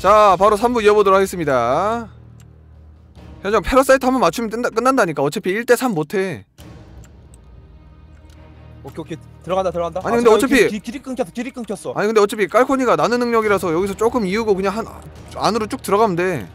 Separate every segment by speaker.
Speaker 1: 자 바로 3부 이어보도록 하겠습니다. 현장 패러사이트 한번 맞추면 끝난다니까. 어차피 1대3 못해.
Speaker 2: 오케이 들어간다.
Speaker 1: 아니 근데 어차피
Speaker 2: 길이 끊겼어.
Speaker 1: 아니 근데 어차피 깔코니가 나는 능력이라서 여기서 조금 이으고 그냥 안으로 쭉 들어가면 돼.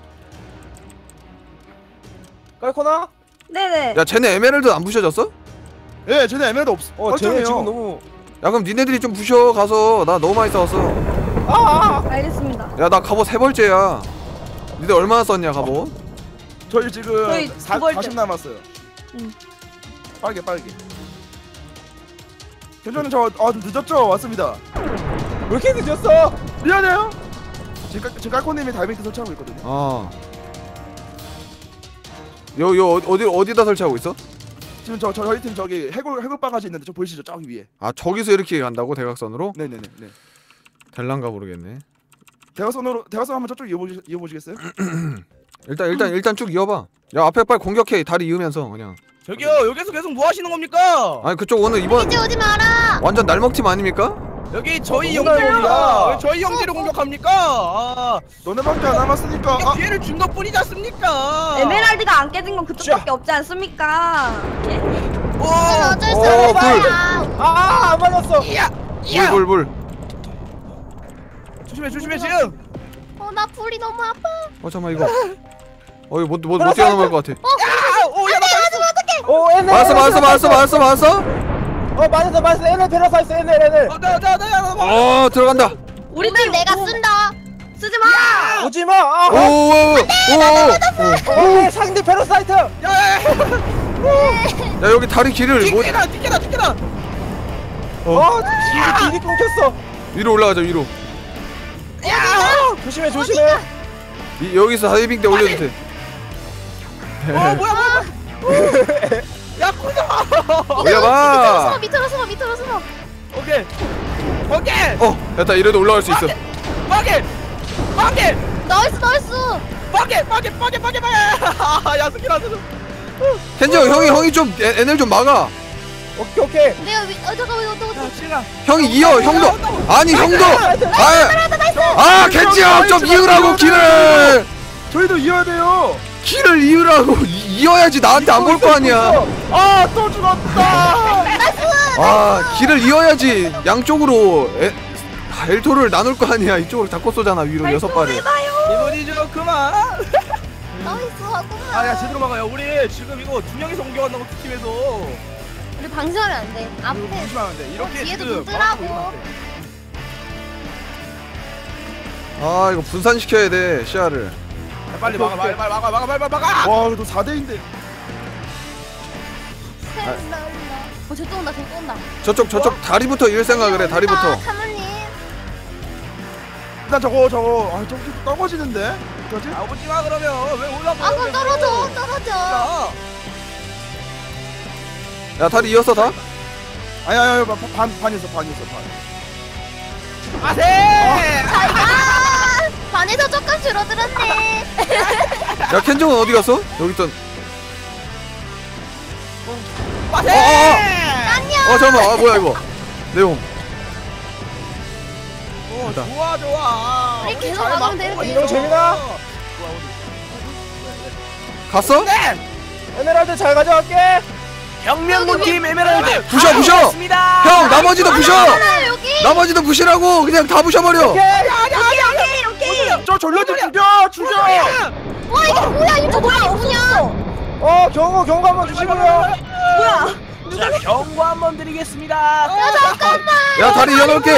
Speaker 2: 깔코나?
Speaker 3: 네네.
Speaker 1: 야 쟤네 에메랄드 안 부셔졌어?
Speaker 4: 예, 쟤네 에메랄드 없어.
Speaker 2: 쟤네 지금 너무.
Speaker 1: 야 그럼 니네들이 좀 부셔 가서. 나 너무 많이 싸웠어.
Speaker 3: 알겠습니다.
Speaker 1: 야 나 갑옷 3벌째야. 니들 얼마나 썼냐 갑옷?
Speaker 4: 저희 지금
Speaker 3: 저희
Speaker 4: 40 남았어요. 빠르게. 현저는 좀 늦었죠? 왔습니다.
Speaker 2: 왜 이렇게 늦었어?
Speaker 4: 미안해요. 지금 깔코님이 다이빙트 설치하고 있거든요.
Speaker 1: 요 어디다 설치하고 있어?
Speaker 4: 지금 저희 팀 저기 해골 바가지 있는데 저 보이시죠? 저기 위에.
Speaker 1: 아 저기서 이렇게 간다고 대각선으로?
Speaker 4: 네네네.
Speaker 1: 될란가 모르겠네.
Speaker 4: 대각선 한번 저쪽 이어보시겠어요?
Speaker 1: 일단 쭉 이어봐. 야 앞에 빨리 공격해. 다리 이으면서 그냥.
Speaker 5: 저기요 여기서 계속 뭐 하시는 겁니까?
Speaker 1: 아니 그쪽 오늘 이번
Speaker 6: 이제 오지 마라.
Speaker 1: 완전 날먹팀 아닙니까?
Speaker 5: 여기 저희
Speaker 4: 너무
Speaker 5: 형제입니다.
Speaker 4: 날먹이다.
Speaker 5: 왜 저희 형제를 공격합니까?
Speaker 4: 너네밖에 안 남았으니까.
Speaker 5: 이게 기회를 준 것뿐이지 않습니까?
Speaker 3: 에메랄드가 안 깨진 건 그쪽밖에 없지 않습니까? 예?
Speaker 6: 이건 어쩔 수
Speaker 1: 불.
Speaker 6: 없어요.
Speaker 2: 안 맞았어.
Speaker 1: 불.
Speaker 5: 조심해 지금.
Speaker 6: 나 불이 너무 아파.
Speaker 1: 잠깐만 이거. 이거 못 뛰어넘을 것 같아.
Speaker 2: 오, NL.
Speaker 1: 맞았어.
Speaker 2: 맞았어. NL 패러사이트 NL.
Speaker 1: 들어간다.
Speaker 3: 우리
Speaker 6: 오늘
Speaker 3: 팀
Speaker 6: 내가 쓴다.
Speaker 3: 쓰지 마.
Speaker 2: 오지 마.
Speaker 1: 오.
Speaker 2: 상대 패러사이트.
Speaker 1: 야 여기 다리 길을 못.
Speaker 5: 티켓다.
Speaker 2: 길이 끊겼어.
Speaker 1: 위로 올라가자 위로.
Speaker 2: 조심해.
Speaker 1: 여기서 다이빙 때 올려도 돼.
Speaker 5: 뭐야. 야 코너.
Speaker 1: 올려봐.
Speaker 6: 밑으로 숨어.
Speaker 5: 오케이.
Speaker 1: 됐다. 이래도 올라갈 수 있어.
Speaker 5: 빠게.
Speaker 6: 나이스.
Speaker 5: 빠게. 야 스킬 안 써.
Speaker 1: 켄저 형이 좀 NL 좀 막아.
Speaker 2: 오케이.
Speaker 6: 내가 잠깐만.
Speaker 5: 시가.
Speaker 1: 형이 이어. 형도. 아니 형도. 켄지 형 좀 이으라고 길을.
Speaker 4: 저희도 이어야 돼요.
Speaker 1: 길을 이으라고. 이어야지 나한테 안 볼 거 아니야.
Speaker 4: 또 죽었다.
Speaker 1: 길을 이어야지. 양쪽으로 엘토를 나눌 거 아니야. 이쪽으로 잡고 쏘잖아. 위로 6발을.
Speaker 5: 이번이 좀 그만.
Speaker 6: 나이스 하구만.
Speaker 5: 야 제대로 막아요. 우리 지금 이거 2명이서 공격한다고 팀에서.
Speaker 6: 우리 방심하면 안 돼. 앞에
Speaker 4: 조심하면 돼. 이렇게
Speaker 6: 뒤에도
Speaker 4: 지금
Speaker 6: 눈 뜨라고.
Speaker 1: 이거 분산시켜야 돼 시야를.
Speaker 5: 빨리 막아.
Speaker 4: 와, 이거 4대인데.
Speaker 6: 저 또 온다.
Speaker 1: 저쪽 다리부터 이을 생각을 해. 다리부터.
Speaker 6: 사모님.
Speaker 4: 일단 저거 저기 떨어지는데. 그렇지?
Speaker 5: 오지 마 그러면 왜 올라가?
Speaker 6: 그럼 떨어져.
Speaker 1: 야 다리 이었어 다?
Speaker 4: 아니 반 있어.
Speaker 5: 아세!
Speaker 6: 반에서 조금 줄어들었네.
Speaker 1: 야 켄정은 어디 갔어? 여기 있던.
Speaker 5: 아세!
Speaker 6: 안녕.
Speaker 1: 잠깐만. 뭐야 이거 내용.
Speaker 5: 좋아.
Speaker 6: 우리 계속 막으면 되는데.
Speaker 2: 이거 재민아.
Speaker 1: 갔어?
Speaker 2: 에메랄드 잘 가져갈게.
Speaker 5: 혁명군팀 에메랄드
Speaker 1: 부셔!
Speaker 5: 가져왔습니다.
Speaker 1: 형 나머지도 부셔!
Speaker 6: 여기.
Speaker 1: 나머지도 부시라고. 그냥 다 부셔버려.
Speaker 3: 오케이.
Speaker 4: 저 전력들 죽여.
Speaker 6: 와 이게 뭐야? 이거 뭐야?
Speaker 2: 경고 한번 주시고요.
Speaker 3: 뭐야?
Speaker 5: 자 경고 한번 드리겠습니다.
Speaker 6: 야 잠깐만.
Speaker 1: 야 다리 이어놓을게.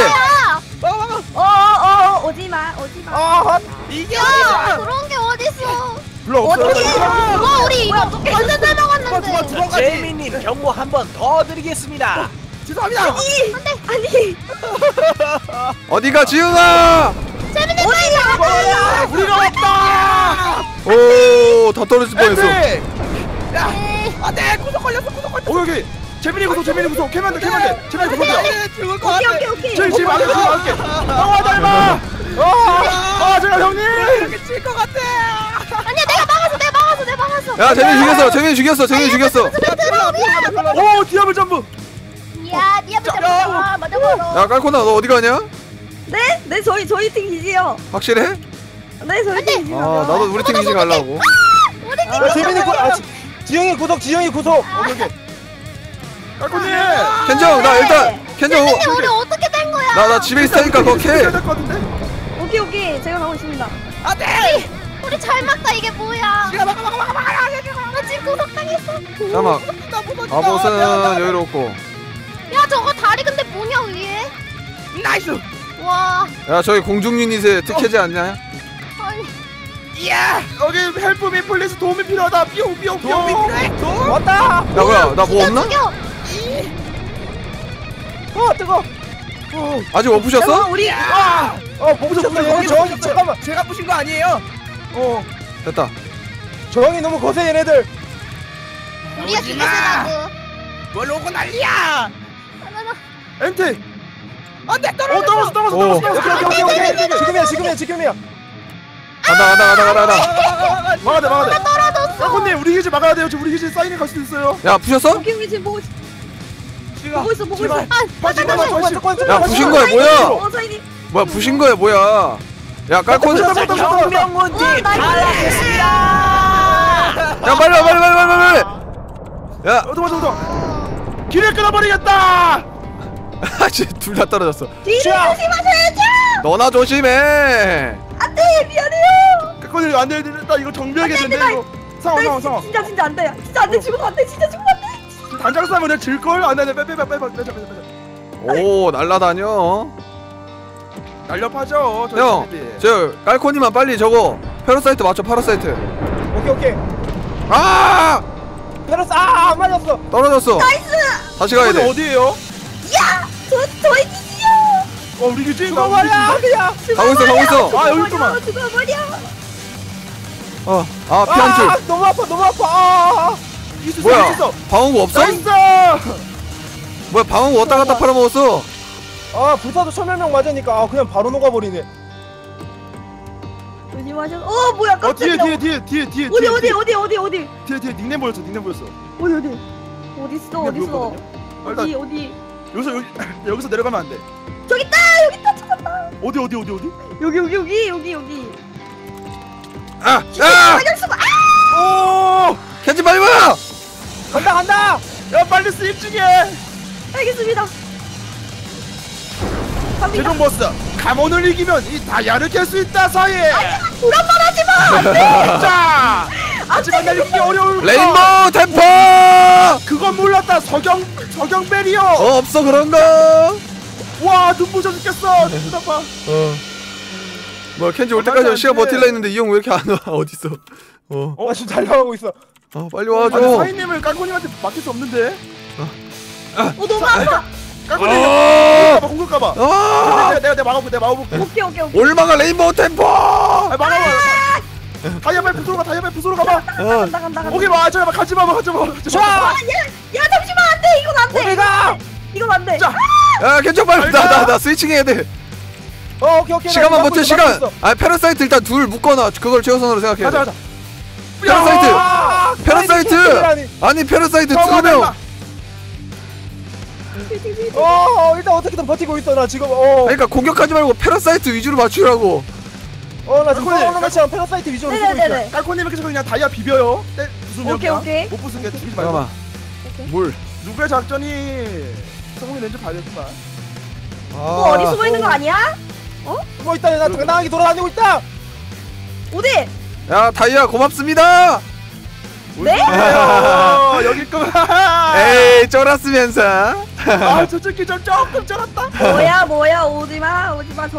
Speaker 3: 오지 마.
Speaker 5: 이게
Speaker 6: 야
Speaker 5: 어디야?
Speaker 6: 그런 게 어딨어?
Speaker 4: 불러 없어요.
Speaker 6: 와 우리 이거 완전 잘 먹었는데.
Speaker 5: 제이미님 경고 한번 더 드리겠습니다.
Speaker 4: 죄송합니다.
Speaker 3: 아니.
Speaker 1: 어디가 지은아?
Speaker 6: 재밌는 거야.
Speaker 5: 우리가 왔다.
Speaker 1: 오, 다 떨어질 뻔했어.
Speaker 5: 야, 안돼 구석 걸렸어.
Speaker 4: 여기 재민이 구속. 재민이 구속이야.
Speaker 5: 죽을 것 같아.
Speaker 3: 오케이.
Speaker 4: 지금 막을게. 형아 닮아. 제가 형님.
Speaker 5: 이렇게 질 것 같아.
Speaker 6: 아니야 내가 막았어.
Speaker 1: 야, 재민이 죽였어.
Speaker 4: 오, 디아블 점프.
Speaker 6: 야 니가 맞아.
Speaker 1: 야, 깔코나 너 어디 가냐?
Speaker 3: 네? 저희 팀 기지요.
Speaker 1: 확실해?
Speaker 3: 네 저희 팀 이기면
Speaker 1: 아 나도 우리 팀 이지 가려고.
Speaker 2: 재민이 지영이 구속 지영이 구속.
Speaker 4: 오케이 오케이. 깔코님.
Speaker 1: 켄정 나 일단 켄정
Speaker 6: 근데 우리 어떻게 된 거야?
Speaker 1: 나 집에 있으니까 그거 캐.
Speaker 4: 될것 같은데.
Speaker 3: 오케이 제가 가고 있습니다.
Speaker 5: 안돼.
Speaker 6: 우리 잘 막다 이게 뭐야?
Speaker 5: 지가 막아.
Speaker 6: 나 지금 구속당했어.
Speaker 1: 잠깐만 갑옷은 여유롭고.
Speaker 6: 야 저거 다리 근데 뭐냐 위에?
Speaker 5: 나이스.
Speaker 6: 와.
Speaker 1: 야 저기 공중 유닛에 특혜지 않냐?
Speaker 6: 아니.
Speaker 5: 이야.
Speaker 4: 여기 헬프미 플리즈 도움이 필요하다. 삐용.
Speaker 5: 도움이 필요해.
Speaker 2: 왔다.
Speaker 1: 야 뭐야 나 뭐 없나?
Speaker 6: 죽여.
Speaker 2: 뜨거.
Speaker 1: 아직 못 부셨어?
Speaker 3: 우리
Speaker 2: 못 부셨어. 얘네 저항이 잠깐만.
Speaker 5: 제가 부신 거 아니에요.
Speaker 1: 됐다.
Speaker 2: 저항이 너무 거세 얘네들.
Speaker 6: 우리가
Speaker 5: 오지 마.
Speaker 6: 죽였으라고.
Speaker 5: 뭘 오고 난리야.
Speaker 4: 엔테.
Speaker 5: 안돼
Speaker 4: 떨어졌어.
Speaker 2: 오케이. 지금이야.
Speaker 1: 가다.
Speaker 4: 막아야 돼.
Speaker 6: 떨어졌어.
Speaker 4: 깔코님 우리 기지 막아야 돼요. 지금 우리 기지 사인이 갈 수도 있어요.
Speaker 1: 야 부셨어?
Speaker 3: 오케이 지금 보고 있어.
Speaker 1: 야 부신 거야 뭐야?
Speaker 3: 저희님.
Speaker 1: 뭐야 부신 거야 뭐야? 야 깔콘. 야
Speaker 5: 경명문제
Speaker 3: 나이스.
Speaker 1: 빨리. 야
Speaker 4: 길을 끊어버리겠다.
Speaker 1: 아씨 둘 다 떨어졌어.
Speaker 3: 뒤를 조심하셔야죠.
Speaker 1: 너나 조심해.
Speaker 3: 안돼 미안해요.
Speaker 4: 깔코님 안 돼. 이거 정비하게 된대 이거. 상황.
Speaker 3: 진짜 안돼. 진짜 안돼. 죽으면 안돼. 진짜 죽으면 안돼.
Speaker 4: 단장 싸면 질 걸. 안 돼. 빼.
Speaker 1: 오 날라다녀.
Speaker 4: 날렵하죠.
Speaker 1: 형, 저 깔코니만 빨리 저거 페로사이트 맞춰. 파라사이트.
Speaker 2: 오케이.
Speaker 1: 아
Speaker 2: 페러스 안 맞았어.
Speaker 1: 떨어졌어.
Speaker 3: 나이스.
Speaker 1: 다시 가야 돼.
Speaker 4: 어디에요?
Speaker 3: 야, 저희 기지요.
Speaker 4: 우리 기지.
Speaker 2: 죽어버려 그냥.
Speaker 1: 가고 있어.
Speaker 4: 아, 여기 있구만.
Speaker 3: 죽어버려.
Speaker 1: 피한 줄.
Speaker 2: 너무 아파.
Speaker 1: 뭐야? 방어구 없어?
Speaker 4: 나이스.
Speaker 1: 뭐야 방어구 왔다 갔다 팔아먹었어.
Speaker 2: 불사도 천멸명 맞으니까 그냥 바로 녹아버리네.
Speaker 3: 조심하셔. 뭐야
Speaker 4: 뒤에.
Speaker 3: 깜짝이야.
Speaker 4: 뒤에.
Speaker 3: 어디?
Speaker 4: 뒤에 닉네임 보였어.
Speaker 3: 어디? 어딨어? 어디?
Speaker 4: 여기서 내려가면 안 돼.
Speaker 3: 저기 있다 찾았다.
Speaker 4: 어디?
Speaker 3: 여기.
Speaker 1: 아!
Speaker 3: 사격수가.
Speaker 4: 오!
Speaker 1: 켄지 빨리 와!
Speaker 2: 간다.
Speaker 4: 야 빨리 스입 중에.
Speaker 3: 알겠습니다.
Speaker 4: 최종 보스 가몬을 이기면 이 다이아를 깰 수 있다 사이.
Speaker 3: 불안 말하지 마.
Speaker 4: 자. 하지만 날리기 어려울.
Speaker 1: 레인보우 템퍼!
Speaker 4: 그건 몰랐다. 석영 베리어.
Speaker 1: 없어 그런 거.
Speaker 4: 와 눈부셔 죽겠어. 눈아파.
Speaker 1: 뭐야 켄지 올 때까지 시간 버틸라 했는데 이 형 왜 이렇게 안 와? 어딨어?
Speaker 2: 지금 달려가고 있어.
Speaker 1: 빨리
Speaker 4: 아니
Speaker 1: 와줘.
Speaker 4: 사인님을 깔코님한테 맡길 수 없는데.
Speaker 3: 너무 아파.
Speaker 4: 깔코님 공격가봐. 내가 막아볼게.
Speaker 3: 오케이.
Speaker 1: 올마가 레인보우 템퍼!
Speaker 4: 막아봐. 다이아발 부수러 가봐.
Speaker 3: 간다.
Speaker 4: 오케이 잠깐만 가지마.
Speaker 3: 야 잠시만 안 돼. 이건 안 돼.
Speaker 2: 어디가?
Speaker 3: 이건 안 돼.
Speaker 4: 자.
Speaker 1: 야 켄지 빨리 나 스위칭 해야 돼.
Speaker 2: 오케이.
Speaker 1: 시간만 버텨 시간. 페라사이트 일단 둘 묶어놔. 그걸 최우선으로 생각해.
Speaker 4: 가자.
Speaker 1: 페라사이트. 아니 페라사이트 2명.
Speaker 2: 일단 어떻게든 버티고 있어 나 지금.
Speaker 1: 그러니까 공격하지 말고 페라사이트 위주로 맞추라고.
Speaker 2: 나 지금 매치랑 페러사이트 위주로 쓰고 있어.
Speaker 3: 네네네.
Speaker 4: 깔코님이 계속 그냥 다이아 비벼요. 부수면
Speaker 3: 오케이.
Speaker 4: 못 부수게 죽이지 말고.
Speaker 1: 잠깐만. 뭘?
Speaker 4: 누구의 작전이 성공이 된지 봐야겠구만.
Speaker 3: 어디 숨어 있는 거 아니야?
Speaker 2: 숨어 있다. 나 당당하게 돌아다니고 있다.
Speaker 3: 어디?
Speaker 1: 야 다이아 고맙습니다.
Speaker 3: 네?
Speaker 4: 여기 있구만.
Speaker 1: 에이 쫄았으면서.
Speaker 4: 저 새끼 좀 조금 쫄았다.
Speaker 3: 뭐야 오지마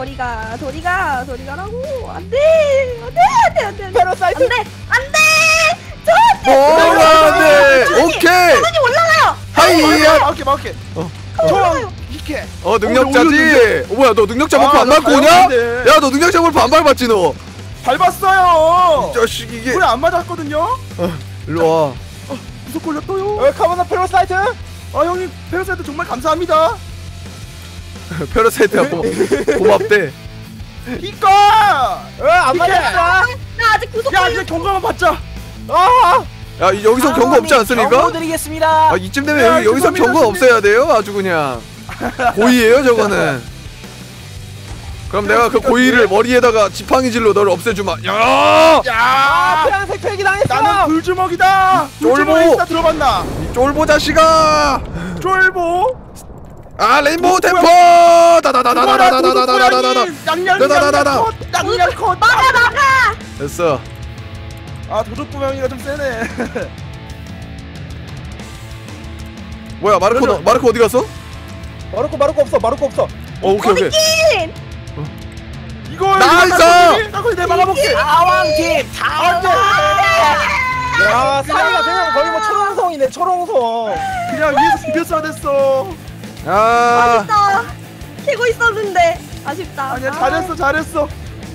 Speaker 3: 저리가라고. 안돼
Speaker 2: 페러사이트.
Speaker 3: 안돼
Speaker 1: 뭐가 안돼. 오케이.
Speaker 3: 손이 올라가요.
Speaker 1: 하이야.
Speaker 4: 막게.
Speaker 3: 올라가요.
Speaker 4: 이렇게.
Speaker 1: 능력자지. 뭐야 너 능력자 버프 안 밟고 오냐? 야 너 능력자 버프 안 밟았지 너.
Speaker 4: 밟았어요.
Speaker 1: 이 자식 이게.
Speaker 4: 불에 안 맞았거든요.
Speaker 1: 일로 와.
Speaker 4: 구속 걸렸어요.
Speaker 2: 카모나 페러사이트.
Speaker 4: 형님 페러사이트 정말 감사합니다.
Speaker 1: 페라사이트야 고맙대.
Speaker 4: 이거.
Speaker 2: 안 맞았어.
Speaker 3: 나 아직 구속
Speaker 4: 야 이제 경고만 받자.
Speaker 1: 야 여기서 경고 없지 않습니까?
Speaker 5: 드리겠습니다.
Speaker 1: 이쯤 되면 여기서 경고 없애야 돼요. 아주 그냥 고의예요 저거는. 그럼 내가 그 고의를 머리에다가 지팡이질로 너를 없애주마. 야!
Speaker 2: 아 파란색 폐기 당했어.
Speaker 4: 나는 불주먹이다.
Speaker 1: 쫄보!
Speaker 4: 불주먹이 있다 들어봤나?
Speaker 1: 이 쫄보 자식아!
Speaker 4: 쫄보.
Speaker 1: 아 레인보우 템포! 다다다다다다다다다다다다다다.
Speaker 4: 양양 컷.
Speaker 3: 막아.
Speaker 1: 됐어.
Speaker 4: 아 도적부 명이가 좀 세네.
Speaker 1: 뭐야 마르코 어디 갔어?
Speaker 2: 마르코 없어. 마르코 없어.
Speaker 1: 오케이.
Speaker 4: 이걸
Speaker 1: 나이스!
Speaker 4: 나거리 내 막아볼게.
Speaker 5: 다왕팀
Speaker 2: 야 사이가 그냥 거의 뭐 초롱성이네 초롱성.
Speaker 4: 그냥 위에서 비벼서 됐어.
Speaker 1: 야.
Speaker 3: 아쉽다. 캐고 있었는데 아쉽다.
Speaker 4: 아니야 잘했어.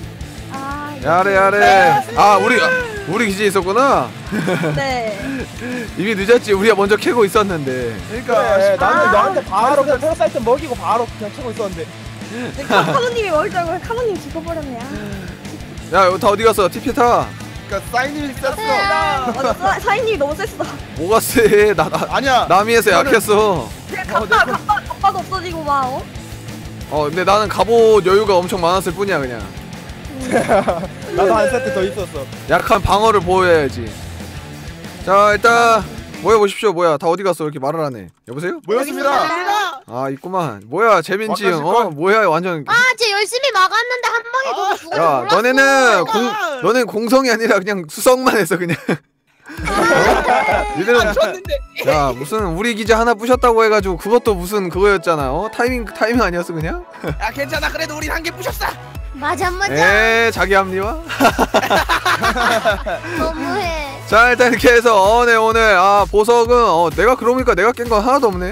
Speaker 1: 야래. 아 우리 기지에 있었구나.
Speaker 3: 네.
Speaker 1: 이미 늦었지. 우리가 먼저 캐고 있었는데.
Speaker 4: 그러니까
Speaker 2: 그래 나는 너한테 바로 그냥 페러사이트 먹이고 바로 그냥 치고 있었는데.
Speaker 3: 카노님이 먹을 줄 알고 카노님 죽어버렸네.
Speaker 1: 야, 다 어디 갔어? TP 타.
Speaker 4: 그러니까 사인이 셌어.
Speaker 3: 맞아. 사인님이 너무 셌어.
Speaker 1: 뭐가 세?
Speaker 4: 아니야.
Speaker 1: 남이에서
Speaker 4: 이거는-
Speaker 1: 약했어.
Speaker 3: 갑바도 없어지고 막.
Speaker 1: 근데 나는 갑옷 여유가 엄청 많았을 뿐이야 그냥.
Speaker 2: 나도 한 세트 더 있었어.
Speaker 1: 약한 방어를 보여야지. 자 일단 모여보십시오. 뭐야 다 어디 갔어? 이렇게 말을 하네. 여보세요?
Speaker 4: 모였습니다.
Speaker 1: 아 있구만. 뭐야 재민지 형.
Speaker 4: 와까실걸?
Speaker 1: 뭐야 완전.
Speaker 6: 쟤 열심히 막았는데 한 방에 너무 죽어서
Speaker 1: 야
Speaker 6: 몰랐어.
Speaker 1: 너네는 너는 공성이 아니라 그냥 수성만 했어 그냥. 니들은 야 무슨 우리 기자 하나 부셨다고 해가지고 그것도 무슨 그거였잖아. 타이밍 아니었어 그냥?
Speaker 5: 야 괜찮아 그래도 우린 한 개 부셨어.
Speaker 6: 맞아.
Speaker 1: 자기 합리화?
Speaker 6: 너무해.
Speaker 1: 자 일단 이렇게 해서 네 오늘 보석은 내가 그러니까 내가 깬 건 하나도 없네.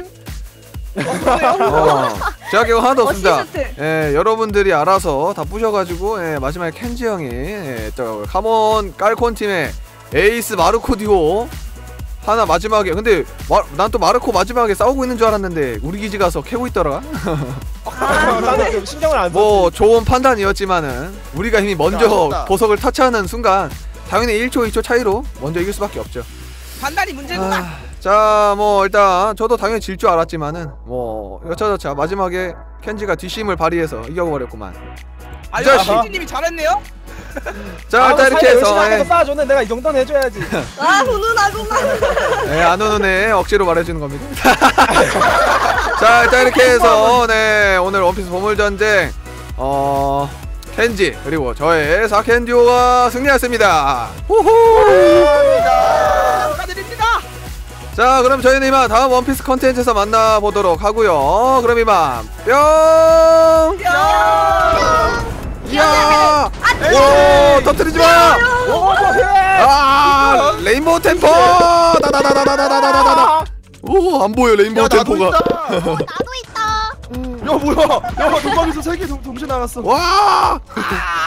Speaker 1: 제가 깬 건 하나도 없습니다.
Speaker 3: 어시스트.
Speaker 1: 여러분들이 알아서 다 부셔가지고 마지막에 켄지 형이 또 카몬 깔콘 팀의 에이스 마르코 듀오 하나 마지막에 근데 난 또 마르코 마지막에 싸우고 있는 줄 알았는데 우리 기지 가서 캐고 있더라.
Speaker 2: 나는 좀 신경을 안 써.
Speaker 1: 뭐 좋은 판단이었지만은 우리가 이미 먼저
Speaker 4: 아쉽다.
Speaker 1: 보석을 터치하는 순간 당연히 1초 2초 차이로 먼저 이길 수밖에 없죠.
Speaker 5: 판단이 문제구나.
Speaker 1: 자 뭐 일단 저도 당연히 질 줄 알았지만은 뭐 여차저차 마지막에 켄지가 뒷심을 발휘해서 이겨버렸구만.
Speaker 5: 아유
Speaker 1: 자식.
Speaker 5: 신지님이 잘했네요.
Speaker 1: 자 일단 이렇게
Speaker 2: 열심히 하면서
Speaker 1: 해서
Speaker 2: 쌓아줬는데 내가 이 정도는 해줘야지.
Speaker 3: 훈훈하구만.
Speaker 1: 안 오는 애 억지로 말해주는 겁니다. 자 일단 이렇게 해서 오늘 원피스 보물전쟁 켄지 그리고 저의 사켄 듀오가 승리했습니다. 후후.
Speaker 5: 축하드립니다.
Speaker 1: 자 그럼 저희는 이만 다음 원피스 컨텐츠에서 만나보도록 하고요. 그럼 이만 뿅. 이야. 오 터뜨리지마. 레인보우 템포. 다다다다다다다다다. 오 안보여 레인보우
Speaker 4: 야 나도
Speaker 1: 템포가.
Speaker 4: 있다.
Speaker 6: 나도 있다.
Speaker 4: 야 뭐야? 야 도박에서 3개 동시에 나갔어.
Speaker 1: 와.
Speaker 5: 아